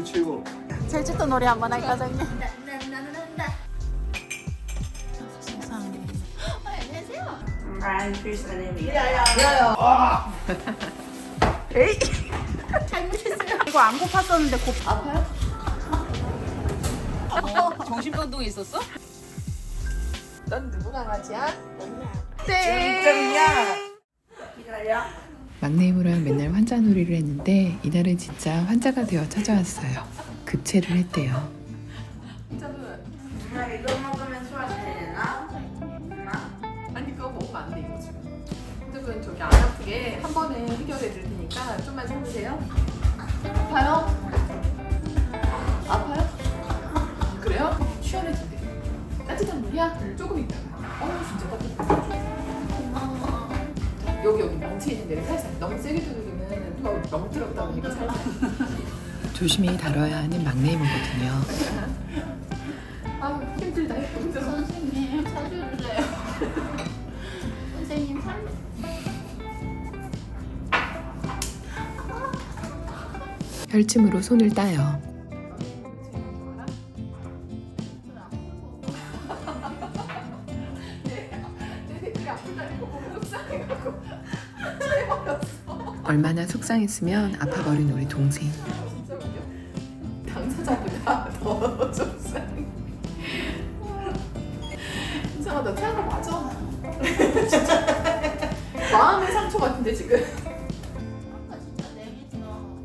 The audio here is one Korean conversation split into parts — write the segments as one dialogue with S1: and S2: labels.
S1: 최고.
S2: 제주도 노래 한번 할까, 정님? 세상에.
S3: I'm Chris Anemia.
S2: 에이! 잘못했어요. 이거 안 고팠었는데 아파요?
S4: 정신병동에 있었어?
S2: 넌 누구 강아지야?
S5: 막내 이모랑 맨날 환자 놀이를 했는데 이날은 진짜 환자가 되어 찾아왔어요. 급체를 했대요.
S3: 엄마 이거 먹으면 소화되나?
S6: 아니 그거 먹으면 안 돼 이거 지금. 근데 그건 저기 안 아프게 한 번에 해결해 드릴 테니까 좀만 참으세요. 아파요? 아파요? 그래요? 시원해진대. 따뜻한 물이야? 조금 있다가. 진짜 따뜻해. 여기 멍치 있는 데를 살살 너무 세게 두르기는 더 멍들었다 보니까 살살.
S5: 조심히 다뤄야 하는 막내 이모거든요.
S6: 아 힘들다 힘들어.
S2: 선생님, 사주주세요. 선생님,
S5: 혈침으로 손을 따요. 얼마나 속상했으면 아파버린 우리 동생.
S6: 진짜 웃겨. 당사자보다 더 속상해. 이상하다. 태아가 맞아. 진짜. 마음의 상처 같은데 지금.
S2: 아까 진짜 내겠어.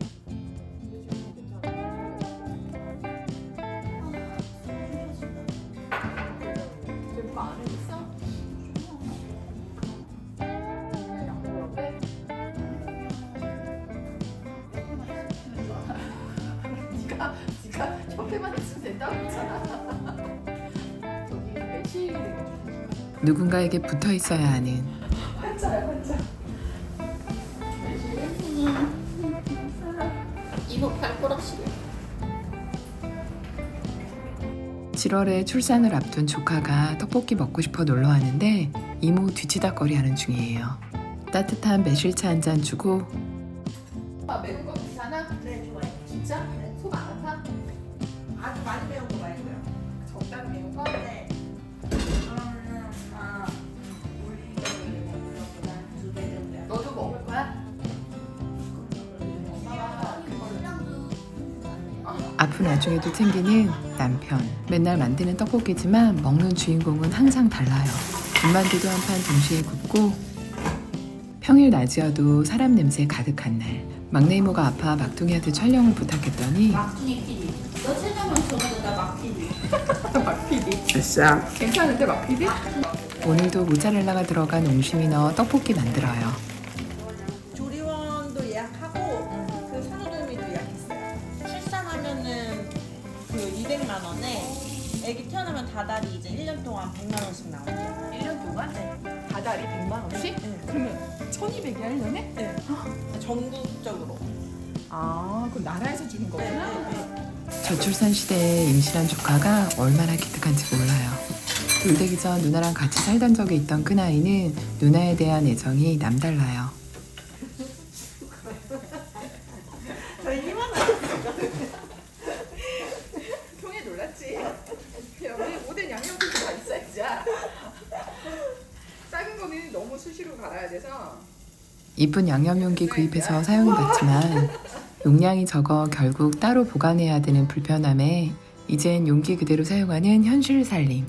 S6: 지금 안 해줬어? 네가 옆에만 있으면 된다고 했잖아. 저기 매치기 되게
S5: 누군가에게 붙어 있어야 하는
S6: 환자야 환자.
S2: 이거 발가락 시려.
S5: 7월에 출산을 앞둔 조카가 떡볶이 먹고 싶어 놀러 왔는데 이모 뒤치다거리 하는 중이에요. 따뜻한 매실차 한 잔 주고
S6: 매운 거 괜찮아?
S3: 네 좋아요.
S6: 진짜? 속 안 아파?
S3: 아주 많이 매운 거 말고요.
S6: 적당히 매운 거?
S3: 네. 그러면은 우리 먹는 것보다 2배 정도.
S6: 너도 먹을 거야?
S5: 아픈 와중에도 챙기는 남편. 맨날 만드는 떡볶이지만 먹는 주인공은 항상 달라요. 군만두도 한 판 동시에 굽고 평일 낮이어도 사람 냄새 가득한 날 막내 이모가 아파 막둥이한테 촬영을 부탁했더니
S2: 막둥이 PD. 너 체감은 저보다 막 PD.
S6: 막피디.
S5: 됐어.
S6: 괜찮은데 막피디?
S5: 오늘도 모짜렐라가 들어간 옹심이 넣어 떡볶이 만들어요.
S7: 조리원도 예약하고 그 산후조리도 예약했어요. 출산하면은 그 200만 원에 아기 태어나면 다달이 이제 1년 동안 100만 원씩 나와요.
S6: 1년 동안?
S7: 네.
S6: 다달이 100만 원씩?
S7: 네.
S6: 그러면 1200이 하려네?
S7: 네. 전국적으로.
S6: 아 그럼 나라에서 주는 거구나?
S5: 저출산 시대에 임신한 조카가 얼마나 기특한지 몰라요. 돌되기 전 누나랑 같이 살던 적이 있던 큰아이는 누나에 대한 애정이 남달라요.
S6: 평에 놀랐지? 여기 모든 양념들이 다 있어야지. 작은 거는 너무 수시로 갈아야 돼서
S5: 이쁜 양념 용기 구입해서 사용해봤지만 용량이 적어 결국 따로 보관해야 되는 불편함에 이젠 용기 그대로 사용하는 현실 살림.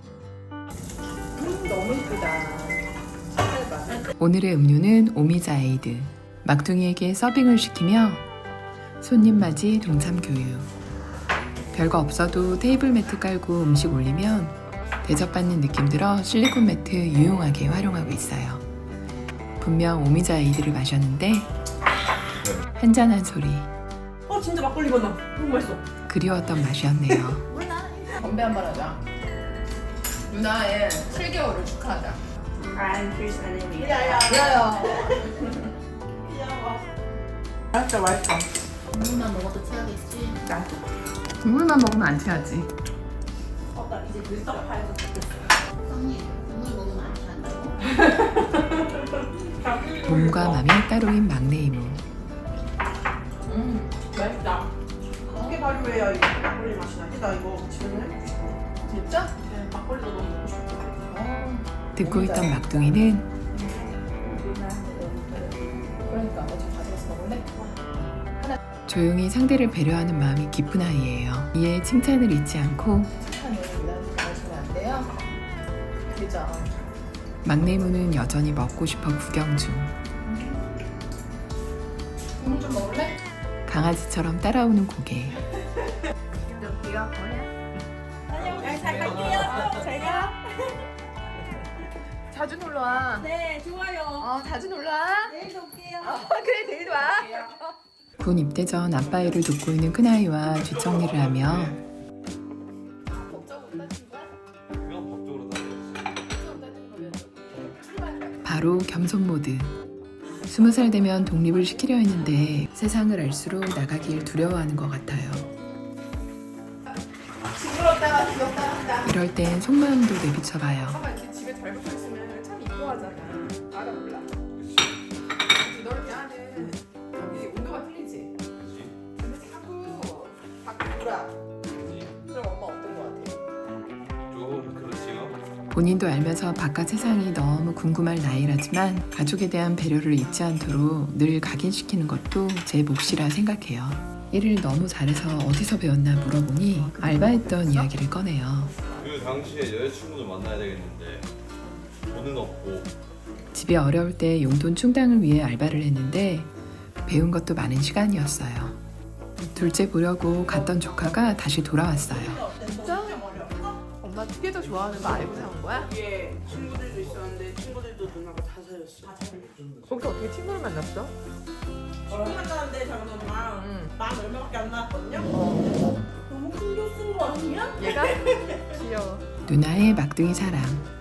S6: 너무 이쁘다. 색깔 봐.
S5: 오늘의 음료는 오미자 에이드. 막둥이에게 서빙을 시키며 손님 맞이 동참 교육. 별거 없어도 테이블 매트 깔고 음식 올리면 대접받는 느낌 들어 실리콘 매트 유용하게 활용하고 있어요. 분명 오미자 에이드를 마셨는데 한잔한 소리.
S7: 진짜 막걸리 맛나. 너무 맛있어.
S5: 그리웠던 맛이었네요.
S6: 건배 한번 하자. 누나의 7개월을 축하하자.
S3: I'm Chris Anemia.
S6: 야야. 맛있다 맛있다.
S2: 국물만 먹어도 체하겠지.
S5: 국물만 먹으면 안 취하지.
S3: 나 이제 눈썹 파여서 죽겠어.
S2: 형님, 국물 먹으면 안 취한다고?
S5: 몸과 마음이 따로인 막내 이모.
S6: 맛있다.
S7: 어떻게 발효해야 이 막걸리 맛이 나지? 나 이거 집에서 해보고 싶어.
S6: 진짜?
S7: 네, 막걸리도 너무 먹고 싶어.
S5: 듣고 있던 막둥이는
S6: 그러니까 어제 가져가서 먹을래?
S5: 조용히 상대를 배려하는 마음이 깊은 아이예요. 이에 칭찬을 잊지 않고
S6: 착한 애를 유난히 좋아하시면 안 돼요? 그죠?
S5: 막내무는 여전히 먹고 싶어 구경 중.
S6: 국물 좀 먹을래?
S5: 강아지처럼 따라오는 고개.
S6: 여기가 뭐야?
S7: 잘 갈게요. 제가.
S6: 자주 놀러와.
S7: 네, 좋아요.
S6: 자주 놀러와.
S7: 내일도 올게요.
S6: 그래, 내일 와.
S5: 군 입대 전 아빠 일을 돕고 있는 큰아이와 뒷정리를 하며
S6: 법적 온다는 거야?
S1: 그냥 법적으로 다녀야지.
S6: 법적 온다는 거면 출발.
S5: 바로 겸손 모드. 20살 되면 독립을 시키려 했는데 세상을 알수록 나가길 두려워하는 것 같아요.
S6: 징그럽다가 귀엽다 한다.
S5: 이럴 땐 속마음도 내비쳐봐요.
S6: 봐봐, 이렇게 집에 잘 붙어 있으면 참 이뻐하잖아. 알아 몰라.
S1: 그치?
S6: 너를 대하는 여기 온도가 틀리지.
S1: 그치?
S6: 근데 자꾸 밖에 돌아.
S1: 그치?
S6: 그럼 엄마 어떤 거 같아?
S1: 좀 그렇지요.
S5: 본인도 알면서 바깥 세상이 너무 궁금할 나이라지만 가족에 대한 배려를 잊지 않도록 늘 각인시키는 것도 제 몫이라 생각해요. 일을 너무 잘해서 어디서 배웠나 물어보니 알바했던 이야기를 꺼내요.
S1: 그 당시에 여자친구도 만나야 되겠는데 돈은 없고
S5: 집이 어려울 때 용돈 충당을 위해 알바를 했는데 배운 것도 많은 시간이었어요. 둘째 보려고 갔던 조카가 다시 돌아왔어요.
S6: 진짜? 엄마 특혜도 좋아하는 거 알고 사온 거야?
S7: 뒤에 친구들도 있었는데 친구들도 누나가 다 사줬어.
S6: 거기서 어떻게 친구를 만났어?
S7: 처음 만났는데 잠깐만
S6: 응.
S7: 만 얼마밖에 안 나왔거든요? 너무 큰거 쓴 거 아니야?
S6: 얘가? 귀여워.
S5: 누나의 막둥이 사랑.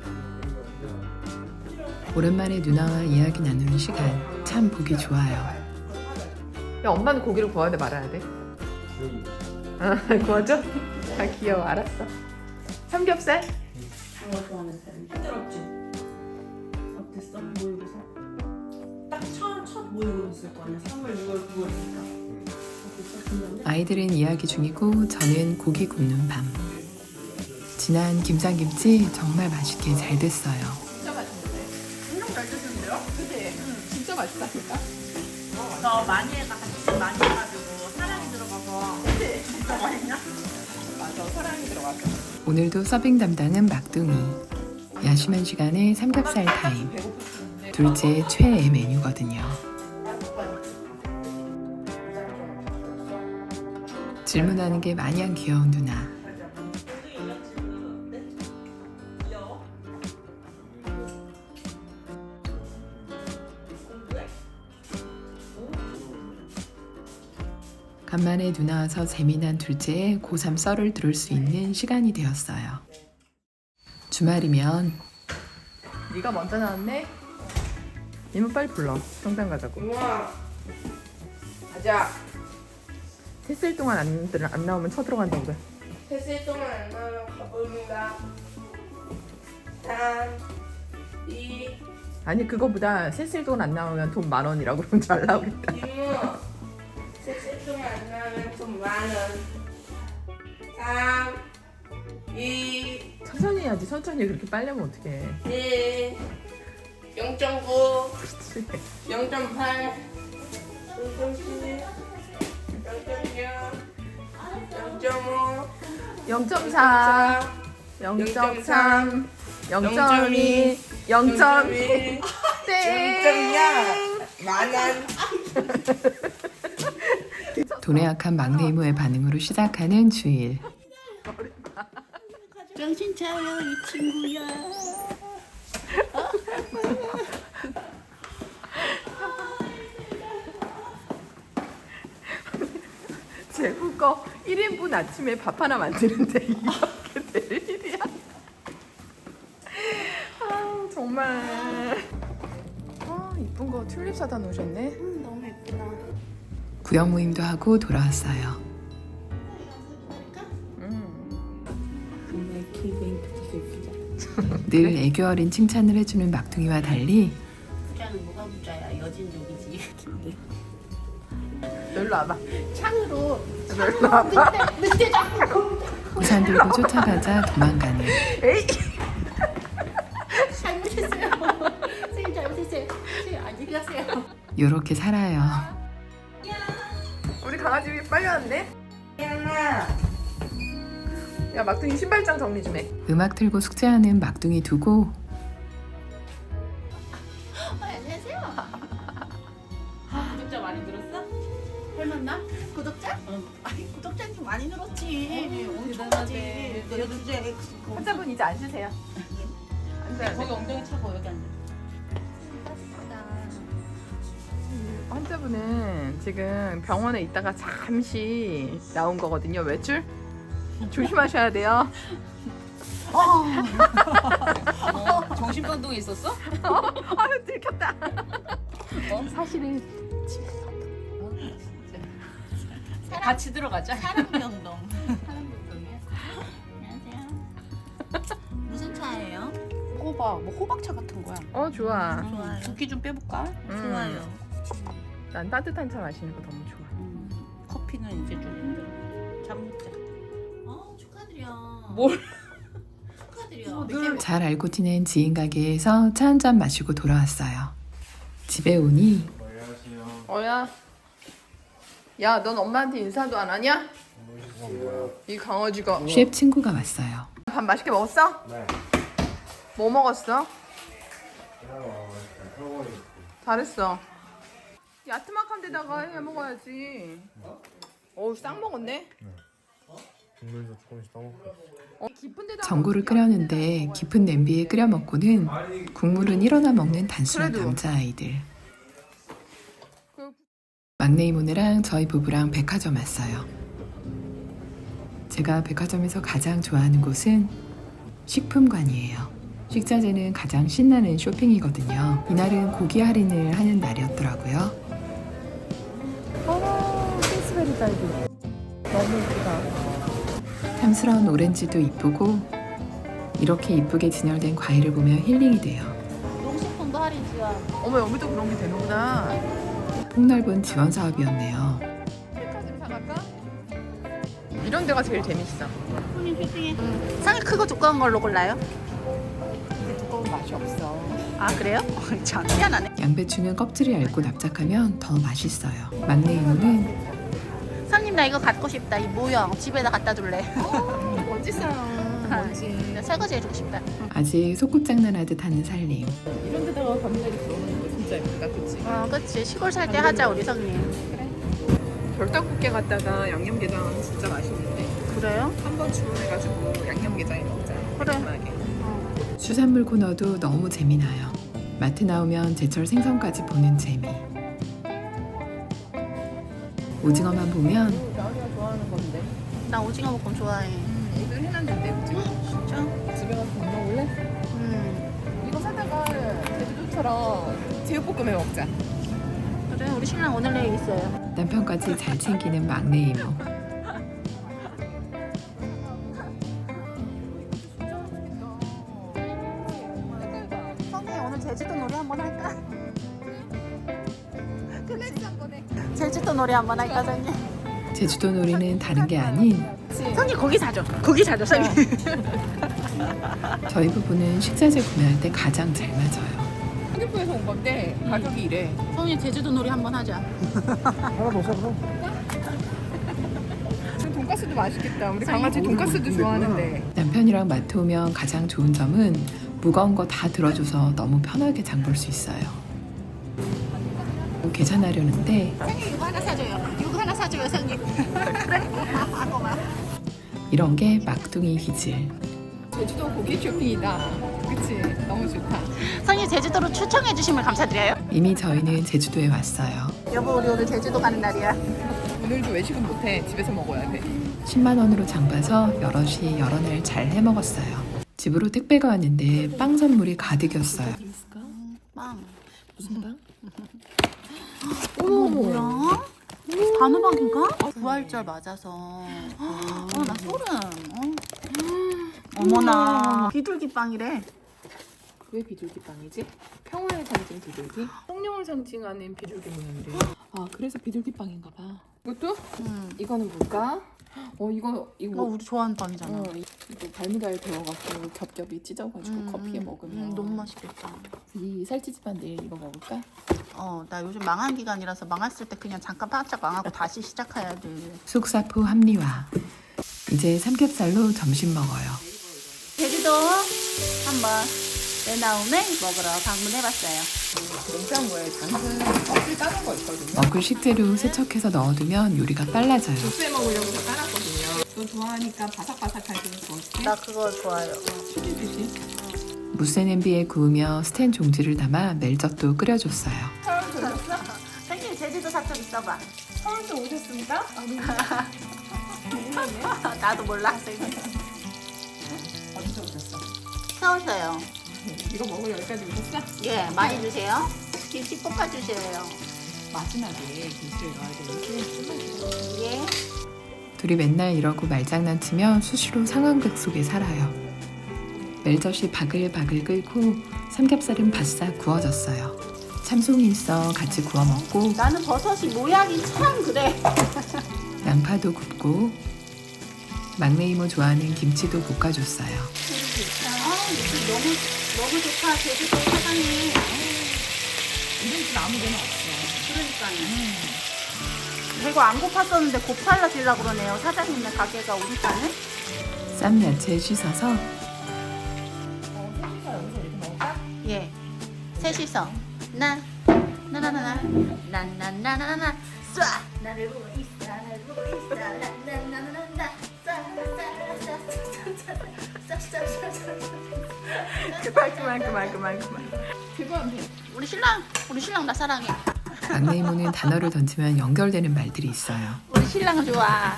S5: 오랜만에 누나와 이야기 나누는 시간 참 보기 좋아요.
S6: 야, 엄마는 고기를 구워야 돼 말아야 돼? 구워줘? 아 귀여워. 알았어. 삼겹살?
S7: 장어 좋아하는 사람. 힘들었지? 어땠어? 모의고사? 딱 첫 모의고사 거 아니야? 3월, 6월, 9월이니까. 어땠어? 긴장돼?
S5: 아이들은 이야기 중이고 저는 고기 굽는 밤. 진한 김장김치 정말 맛있게 잘 됐어요.
S6: 진짜 맛있는데? 엄청 잘 드시는데요? 그치? 진짜 맛있다니까?
S7: 저 마니에가 같이 많이 해가지고 사랑이 들어가서 진짜 맛있냐?
S6: 맞아, 사랑이 들어갔어.
S5: 오늘도 서빙 담당은 막둥이. 야심한 시간에 삼겹살 타임.
S6: 배고프시는데
S5: 둘째 최애 메뉴거든요. 질문하는 게 마냥 귀여운 누나. 간만에 누나 와서 재미난 둘째의 고3 썰을 들을 수 있는 시간이 되었어요. 주말이면
S6: 네가 먼저 나왔네? 이모 빨리 불러. 성당 가자고.
S7: 우와. 가자.
S6: 셋셀 동안 안 나오면 쳐들어간다고 그래.
S7: 3시 동안 안 나오면 가봅니다. 3, 2,
S6: 아니 그거보다 셋셀 동안 안 나오면 돈 10,000원이라고 그러면 잘 나오겠다.
S7: 이모. 3시 동안 안 나오면 돈 10,000원. 3, 2,
S6: 천천히 해야지. 천천히 그렇게 빨리 하면 어떡해.
S7: 1, 0.9,
S6: 그렇지.
S7: 0.8, 0.7, 0.6, 0.5,
S6: 0.4, 0.3, 0.2, 0.1, 땡!
S7: 0.0야. 10,000원.
S5: 돈에 약한 막내 이모의 반응으로 시작하는 주일.
S2: 정신 차려 이 친구야.
S6: 제국 거 1인분 아침에 밥 하나 만드는데 이렇게 될 일이야? 아 정말. 아 이쁜 거 튤립 사다 놓으셨네.
S2: 너무 예쁘다.
S5: 구역 모임도 하고 돌아왔어요.
S2: 정말 킬베이트 슬프자.
S5: 늘 애교 어린 칭찬을 해주는 막둥이와 달리
S2: 부자는 뭐가 부자야? 여진족이지.
S6: 놀러 와봐.
S2: 창으로 늑대 잡고
S5: 우산 들고 쫓아가자 도망가는.
S2: 잘못했어요. 선생님 잘못했어요. 선생님 안녕히 가세요.
S5: 요렇게 살아요.
S6: 우리 강아지 빨리 왔네. 야 막둥이 신발장 정리 좀 해.
S5: 음악 틀고 숙제하는 막둥이 두고
S2: 안녕하세요. 구독자 많이 늘었어? 닮았나? 구독자? 아니 구독자님 많이 늘었지. 엄청 하지. 내가 주제
S6: 환자분 이제 앉으세요. 앉아요.
S2: 거기 엉덩이 차고 여기 앉아.
S6: 환자분은 지금 병원에 있다가 잠시 나온 거거든요. 외출? 조심하셔야 돼요.
S4: 정신병동에 있었어?
S6: 아유 들켰다.
S4: 사실은 같이 들어가자.
S2: 사랑병동. 사랑병동이야. 안녕하세요. 무슨 차예요? 호박, 뭐 호박차 같은 거야.
S6: 좋아.
S2: 좋아요. 붓기 좀 빼볼까? 좋아요.
S6: 난 따뜻한 차 마시는 거 너무 좋아.
S2: 커피는 이제 좀 힘들어. 잠 먹자. 축하드려.
S4: 뭘?
S2: 축하드려.
S5: 잘 알고 지낸 지인 가게에서 차 한 잔 마시고 돌아왔어요. 집에 오니
S6: 어야. 야, 넌 엄마한테 인사도 안 하냐? 이 강아지가.
S5: 셰프 친구가 왔어요.
S6: 밥 맛있게 먹었어? 네. 뭐 먹었어? 잘했어. 야트막한 데다가 해 먹어야지. 어우, 싹 먹었네.
S1: 국물도 조금씩 떠먹고.
S6: 깊은 데다가.
S5: 전골을 끓였는데 깊은 냄비에 끓여 먹고는 국물은 일어나 먹는 단순한
S6: 그래도.
S5: 남자아이들. 막내 이모네랑 저희 부부랑 백화점 왔어요. 제가 백화점에서 가장 좋아하는 곳은 식품관이에요. 식자재는 가장 신나는 쇼핑이거든요. 이날은 고기 할인을 하는 날이었더라고요.
S6: 스베리 딸기. 너무 예쁘다.
S5: 탐스러운 오렌지도 이쁘고 이렇게 이쁘게 진열된 과일을 보면 힐링이 돼요.
S2: 용식품도 할인 지원.
S6: 어머, 여기도 그런 게 되는구나.
S5: 폭넓은 지원 사업이었네요.
S6: 백화점 사갈까? 이런 데가 제일 재밌어.
S2: 손님 쇼핑해. 상이 크고 두꺼운 걸로 골라요?
S6: 두꺼운 맛이 없어.
S2: 아 그래요? 참 희한하네.
S5: 양배추는 껍질이 얇고 납작하면 더 맛있어요. 막내 이모는
S2: 상님 나 이거 갖고 싶다. 이 모형 집에다 갖다 둘래.
S6: 멋지어요. 멋지.
S2: 나 설거지 해주고 싶다.
S5: 아직 소꿉장난하듯 하는 살림.
S6: 이런 데다가 감자리 들어오는 거 진짜 예쁘다, 그치?
S2: 그치. 시골 살 때 하자 우리 성님.
S6: 별떡국게 갔다가 양념게장 진짜 맛있는데
S2: 그래요?
S6: 한번 주문해가지고 양념게장에 먹자.
S2: 그래.
S6: 깔끔하게.
S5: 수산물 코너도 너무 재미나요. 마트 나오면 제철 생선까지 보는 재미. 오징어만 보면
S6: 나은이가 좋아하는 건데.
S2: 나 오징어 볶음 좋아해.
S6: 애들 해놨는데 오징어.
S2: 진짜?
S6: 집에 가서 밥 먹을래? 이거 사다가 제주도처럼 제육볶음 해 먹자.
S2: 그래 우리 신랑 오늘 내일 있어요.
S5: 남편까지 잘 챙기는 막내 이모.
S2: 성희 오늘 제주도 놀이 한번 할까? 제주도 놀이 한번 할까 성희?
S5: 제주도 놀이는 다른 게 아닌
S2: 성희 고기 사줘. 고기 사줘 성희.
S5: 저희 부부는 식자재 구매할 때 가장 잘 맞아요.
S6: 한국에서 온 건데 가격이 이래.
S2: 성희 제주도 놀이 한번 하자.
S6: 돈가스도 맛있겠다. 우리 강아지 돈가스도 좋아하는데.
S5: 남편이랑 마트 오면 가장 좋은 점은 무거운 거 다 들어줘서 너무 편하게 장 볼 수 있어요. 계산하려는데
S2: 성희 이거 하나 사줘요. 이거 하나 사줘요 성희. 그래? 고마워.
S5: 이런 게 막둥이 기질.
S6: 제주도 고기 쇼핑이다. 그치? 너무 좋다.
S2: 성희 제주도로 추천해 주심을 감사드려요.
S5: 이미 저희는 제주도에 왔어요.
S2: 여보 우리 오늘 제주도 가는 날이야.
S6: 오늘도 외식은 못해. 집에서 먹어야 돼.
S5: 10만 원으로 장 봐서 여럿이 여러 날 잘 해먹었어요. 집으로 택배가 왔는데 빵 선물이 가득이었어요.
S2: 빵.
S5: 무슨 빵?
S2: 어머 뭐야? 단호박인가? 부활절 맞아서. 나 소름. 어머나. 비둘기 빵이래.
S6: 왜 비둘기 빵이지? 평화의 상징 비둘기? 성령을 상징하는 비둘기 모양이래. 아 그래서 비둘기빵인가 봐. 이것도? 이거는 뭘까? 이거
S2: 우리 좋아하는 빵이잖아.
S6: 이거 발미달 데워갖고 겹겹이 찢어가지고 커피에 먹으면
S2: 너무 맛있겠다.
S6: 이 살찌지만 내일 이거 먹을까?
S2: 나 요즘 망한 기간이라서 망했을 때 그냥 잠깐 바짝 망하고 다시 시작해야 돼.
S5: 속사포 합리화. 이제 삼겹살로 점심 먹어요.
S2: 제주도 한번 내 다음에 먹으러 방문해봤어요.
S6: 냉장고에 당근 껍질 까는 거 있거든요.
S5: 먹을 식재료 세척해서 넣어두면 요리가 빨라져요.
S6: 국수에 먹으려고 다 까놨거든요. 너 좋아하니까 바삭바삭하게 구웠지?
S2: 나 그거 좋아요.
S6: 튀기듯이.
S5: 무쇠 냄비에 구우며 스텐 종지를 담아 멜젓도 끓여줬어요.
S2: 생님 제주도 사투리 써봐.
S6: 서울도 오셨습니까?
S2: 나도 몰라. 생님.
S6: 어디서 오셨어?
S2: 서울서요.
S6: 이거 먹으러 여기까지 오셨어?
S2: 예, 많이 주세요. 김치 볶아주세요.
S6: 마지막에 김치를 넣어야 되는지
S2: 예.
S5: 둘이 맨날 이러고 말장난치며 수시로 상황극 속에 살아요. 멜젓이 바글바글 끓고 삼겹살은 바싹 구워졌어요. 참송이 있어 같이 구워 먹고
S2: 나는 버섯이 모양이 참 그래.
S5: 양파도 굽고 막내 이모 좋아하는 김치도 볶아줬어요.
S2: 느낌 너무 좋다. 제주도 사장님.
S6: 이런 집 아무 데나 없어.
S2: 그러니까요. 배가 안 고팠었는데 고파라지려고 그러네요. 사장님네 가게가 우리 딴은.
S5: 쌈 야채 씻어서
S6: 셋이서 여기서 이렇게 먹을까?
S2: 예. 셋이서 나나나나나나나나나나나 쏴 나를 보고 있어 나를 보고 있어 나나나나나
S6: 그만. 그건
S2: 우리 신랑 나 사랑해.
S5: 막내 이모는 단어를 던지면 연결되는 말들이 있어요.
S2: 우리 신랑은 좋아.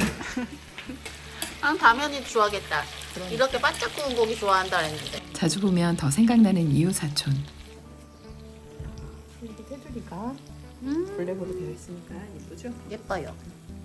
S2: 난 당연히 좋아하겠다. 이렇게 바짝 구운 고기 좋아한다 했는데.
S5: 자주 보면 더 생각나는 이웃 사촌.
S6: 이렇게 테두리가 블랙으로 되어 있으니까 예쁘죠?
S2: 예뻐요.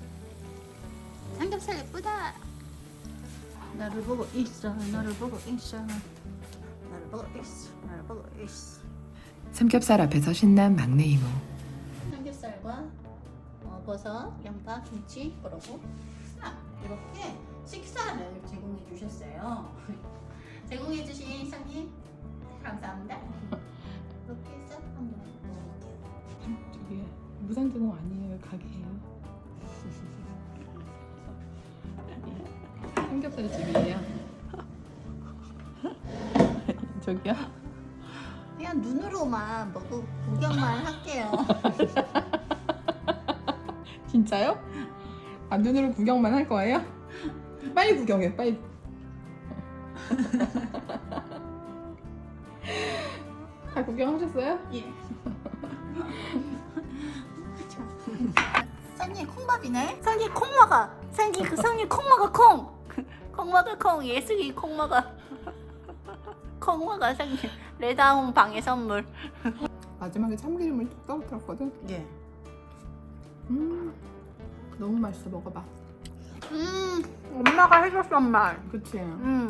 S2: 삼겹살 예쁘다. 나를 보고 있어. 나를 보고 있어. 나를 보고 있어. 나를 보고 있어.
S5: 삼겹살 앞에서 신난 막내 이모.
S2: 삼겹살과 버섯, 양파, 김치 그러고 쌈 이렇게 식사를 제공해 주셨어요. 제공해 주신 상님 감사합니다. 이렇게 싹 한번 먹어볼게요.
S6: 저기 무상제공 아니에요, 가게예요. 삼겹살 집이에요. 저기요?
S2: 그냥 눈으로만 먹고 구경만 할게요.
S6: 진짜요? 아 눈으로 구경만 할 거예요? 빨리 구경해, 빨리. 다 구경하셨어요?
S2: 예. 선님 콩밥이네. 선님 콩 먹어. 선님 콩 먹어 콩. 콩 먹어 콩. 예슬이 콩 먹어. 콩 먹어 선님. 레다운 방의 선물.
S6: 마지막에 참기름을 뚝 떨어뜨렸거든.
S2: 예.
S6: 너무 맛있어, 먹어봐.
S2: 엄마가 해줬던 말.
S6: 그치?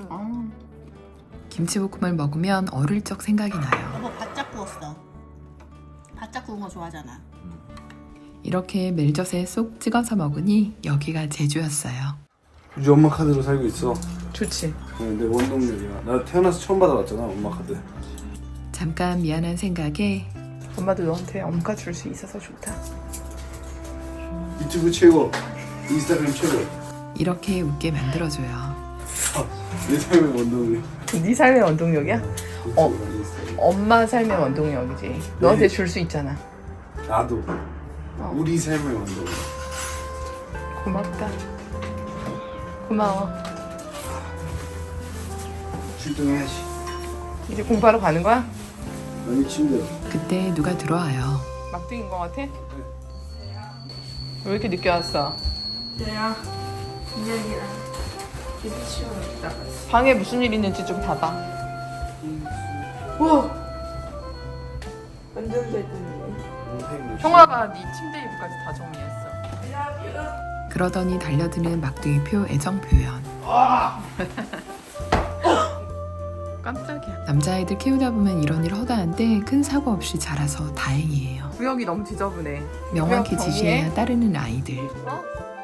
S5: 김치볶음을 먹으면 어릴 적 생각이 나요.
S2: 여보 바짝 구웠어. 바짝 구운 거 좋아하잖아.
S5: 이렇게 멜젓에 쏙 찍어서 먹으니 여기가 제주였어요.
S8: 우리 엄마 카드로 살고 있어.
S6: 좋지.
S8: 내 원동력이야. 나 태어나서 처음 받아봤잖아, 엄마 카드.
S5: 잠깐 미안한 생각에
S6: 엄마도 너한테 엄가 줄 수 있어서 좋다.
S8: 유튜브 최고, 인스타그램 최고.
S5: 이렇게 웃게 만들어줘요.
S8: 내 삶의 원동력.
S6: 네 삶의 원동력이야?
S8: 인스타그램.
S6: 엄마 삶의 원동력이지. 너한테 줄 수 있잖아.
S8: 나도. 우리 삶의 원동력.
S6: 고맙다. 고마워.
S8: 출동해야지.
S6: 이제 공부하러 가는 거야?
S8: 많이 힘들어.
S5: 그때 누가 들어와요.
S6: 막둥인 거 같아? 왜 이렇게 늦게 왔어?
S7: 내가 민혁이랑 기도 치우러 있다가
S6: 방에 무슨 일 있는지 좀 봐봐. 우와!
S7: 완전 잘 듣네.
S6: 형아가 네 침대 이불까지 다 정리했어.
S5: 그러더니 달려드는 막둥이표 애정 표현.
S6: 깜짝이야.
S5: 남자아이들 키우다 보면 이런 일 허다한데 큰 사고 없이 자라서 다행이에요.
S6: 구역이 너무 지저분해.
S5: 명확히
S6: 정리해.
S5: 지시해야 따르는 아이들.
S6: 어?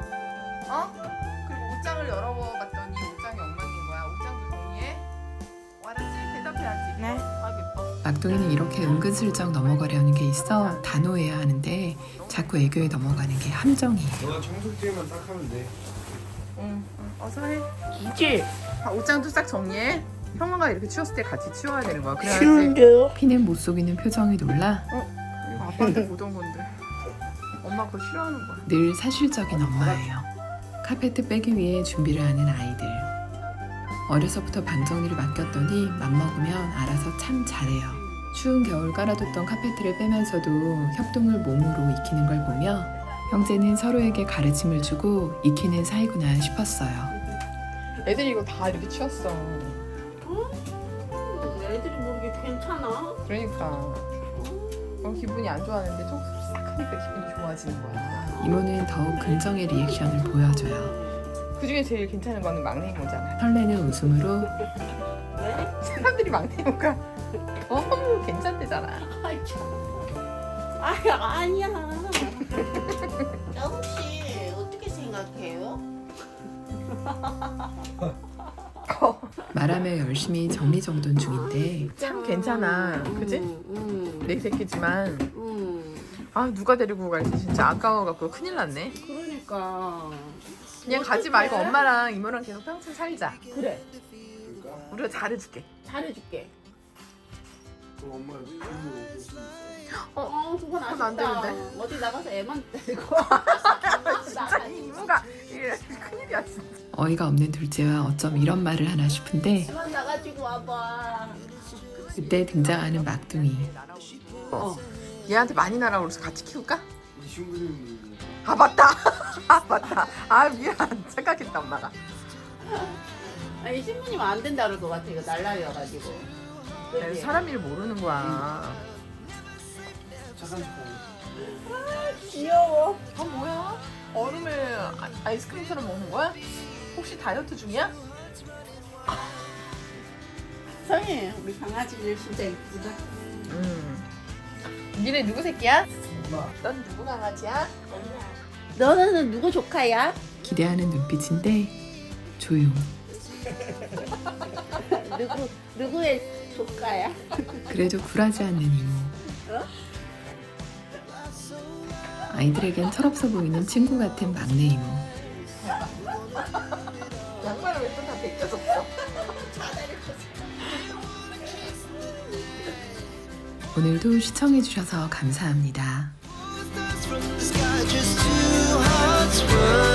S6: 그리고 옷장을 열어봤더니 옷장이 엉망인 거야. 옷장도 정리해. 알았지? 대답해야지.
S3: 네.
S6: 아 예뻐.
S5: 막둥이는 이렇게 은근슬쩍 넘어가려는 게 있어 단호해야 하는데 자꾸 애교에 넘어가는 게 함정이에요.
S8: 너가 청소기만 딱 하면 돼.
S6: 응. 어서 해.
S2: 이제
S6: 옷장도 싹 정리해. 형아가 이렇게 치웠을 때 같이 치워야 되는 거야. 그래야지.
S2: 싫은데요?
S5: 피는 못 속이는 표정이 놀라
S6: 이거 아빠한테 보던 건데. 엄마 그거 싫어하는 거야.
S5: 늘 사실적인 엄마예요. 카페트 빼기 위해 준비를 하는 아이들. 어려서부터 방 정리를 맡겼더니 맘먹으면 알아서 참 잘해요. 추운 겨울 깔아뒀던 카페트를 빼면서도 협동을 몸으로 익히는 걸 보며 형제는 서로에게 가르침을 주고 익히는 사이구나 싶었어요.
S6: 애들이 이거 다 이렇게 치웠어.
S2: 애들이 모르게 괜찮아?
S6: 그러니까. 기분이 안 좋아하는데 청소 싹 하니까 기분이 좋아지는 거야.
S5: 이모는 더욱 긍정의 리액션을 보여줘요.
S6: 그 중에 제일 괜찮은 거는 막내 이모잖아.
S5: 설레는 웃음으로
S6: 사람들이 막내 이모가 너무 괜찮대잖아.
S2: 아이 참. 아이 아니야. 영씨 어떻게 생각해요?
S5: 말하며 열심히 정리정돈 중인데
S6: 참 괜찮아. 그지? 내 새끼지만 아 누가 데리고 갈지 진짜 아까워갖고 큰일 났네.
S2: 그러니까.
S6: 그냥 가지 말고 엄마랑 이모랑 계속 평생 살자.
S2: 그래.
S6: 우리가 잘해줄게.
S2: 잘해줄게.
S8: 엄마
S2: 그건
S6: 그건 안 되는데.
S2: 어디 나가서 애만 데리고.
S6: 진짜 이모가 이래 큰일이야 진짜.
S5: 어이가 없는 둘째와 어쩜 이런 말을 하나 싶은데
S2: 애만 나가지고 와봐.
S5: 그때 등장하는 막둥이.
S6: 얘한테 많이 나라고 그래서 같이 키울까?
S8: 이 친구는
S6: 아 맞다. 아 맞다. 아 미안 생각했다 엄마가.
S2: 아니 신부님 안 된다 그럴 것 같아. 이거 날라리여가지고. 그치?
S6: 사람 일 모르는 거야.
S8: 착한 척하고.
S2: 귀여워.
S6: 아 뭐야? 얼음을 아이스크림처럼 먹는 거야? 혹시 다이어트 중이야?
S2: 성희 우리 강아지들 진짜 이쁘다.
S6: 니네 누구 새끼야? 넌 누구 강아지야?
S2: 너는 누구 조카야?
S5: 기대하는 눈빛인데 조용.
S2: 누구의 조카야?
S5: 그래도 굴하지 않는 이모. 아이들에겐 철없어 보이는 친구 같은 막내 이모.
S6: 양말을 왜 또 다 벗겨졌어?
S5: 오늘도 시청해주셔서 감사합니다.
S9: From the sky, just two hearts run.